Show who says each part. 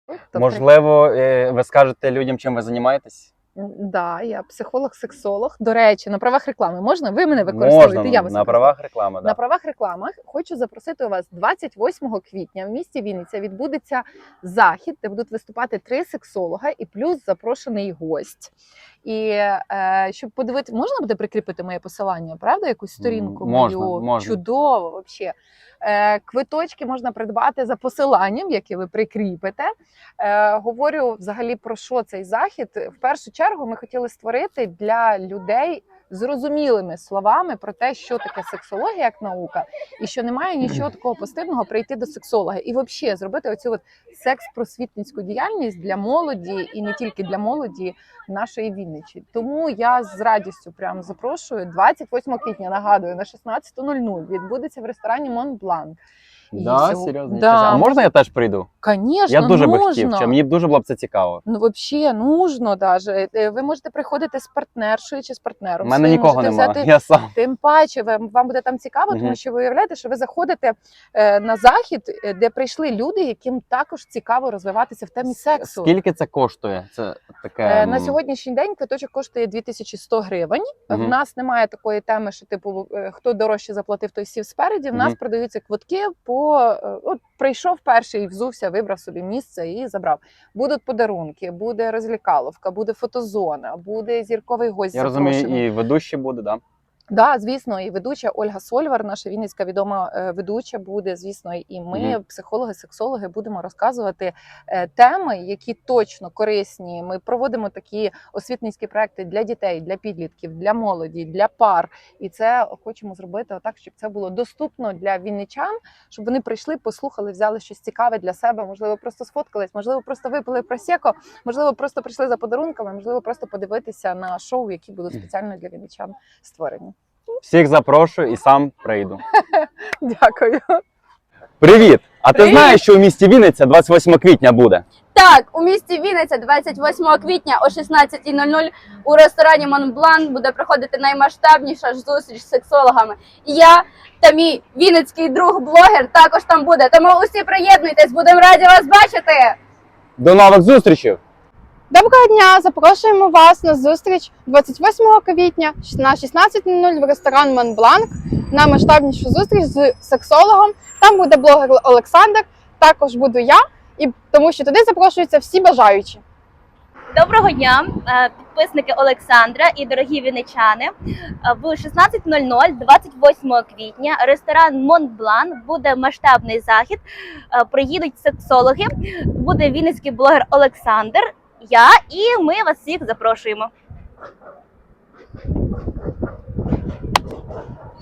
Speaker 1: Можливо, ви скажете людям, чим ви займаєтесь?
Speaker 2: Да, я психолог-сексолог. До речі, на правах реклами можна? Ви мене використовуєте?
Speaker 1: Можна,
Speaker 2: Я вас
Speaker 1: на правах реклами,
Speaker 2: На правах реклами хочу запросити вас 28 квітня в місті Вінниця відбудеться захід, де будуть виступати 3 сексолога і плюс запрошений гость. І щоб подивитися, можна буде прикріпити моє посилання, правда? Якусь сторінку мою?
Speaker 1: Можна.
Speaker 2: Чудово, взагалі. Квиточки можна придбати за посиланням, яке ви прикріпите. Говорю взагалі про що цей захід. В першу чергу ми хотіли створити для людей зрозумілими словами про те, що таке сексологія як наука, і що немає нічого такого постидного прийти до сексолога. І взагалі зробити оцю от секс-просвітницьку діяльність для молоді, і не тільки для молоді нашої Вінничі. Тому я з радістю прямо запрошую. 28 квітня, нагадую, на 16:00 відбудеться в ресторані Монблан.
Speaker 1: Да, серйозно? Да. А можна я теж прийду?
Speaker 2: Конечно,
Speaker 1: я дуже
Speaker 2: нужно.
Speaker 1: би хотів, мені дуже було б це цікаво.
Speaker 2: Ну, взагалі, нужно даже. Ви можете приходити з партнершою чи з партнером.
Speaker 1: У мене нікого немає, я сам.
Speaker 2: Тим паче, вам буде там цікаво, тому що ви уявляєте, що ви заходите на захід, де прийшли люди, яким також цікаво розвиватися в темі сексу.
Speaker 1: Скільки це коштує? Це таке...
Speaker 2: На сьогоднішній день квиточок коштує 2100 гривень. В нас немає такої теми, що типу, хто дорожче заплатив, той сів спереді. В нас продаються квитки по... От прийшов перший, взувся, вибрав собі місце і забрав. Будуть подарунки, буде розлікаловка, буде фотозона, буде зірковий гость запрошений.
Speaker 1: Я розумію, і ведущі буде, да?
Speaker 2: Да, звісно, і ведуча Ольга Сольвар, наша вінницька відома ведуча буде, звісно, і ми, психологи, сексологи, будемо розказувати теми, які точно корисні. Ми проводимо такі освітницькі проекти для дітей, для підлітків, для молоді, для пар. І це хочемо зробити так, щоб це було доступно для вінничан, щоб вони прийшли, послухали, взяли щось цікаве для себе, можливо, просто сфоткались, можливо, просто випили просеко, можливо, просто прийшли за подарунками, можливо, просто подивитися на шоу, які будуть спеціально для вінничан створені.
Speaker 1: Всіх запрошую і сам прийду.
Speaker 2: Дякую.
Speaker 1: Привіт! А ти знаєш, що у місті Вінниця 28 квітня буде?
Speaker 3: Так, у місті Вінниця 28 квітня о 16:00 у ресторані Монблан буде проходити наймасштабніша зустріч з сексологами. І я та мій вінницький друг-блогер також там буде. Тому усі приєднуйтесь, будемо раді вас бачити!
Speaker 1: До нових зустрічей!
Speaker 4: Доброго дня! Запрошуємо вас на зустріч 28 квітня на 16:00 в ресторан Монбланк на масштабнішу зустріч з сексологом. Там буде блогер Олександр, також буду я, і тому що туди запрошуються всі бажаючі.
Speaker 3: Доброго дня, підписники Олександра і дорогі вінничани. В 16:00 28 квітня ресторан Монблан буде масштабний захід. Приїдуть сексологи, буде вінницький блогер Олександр, я і ми вас всіх запрошуємо.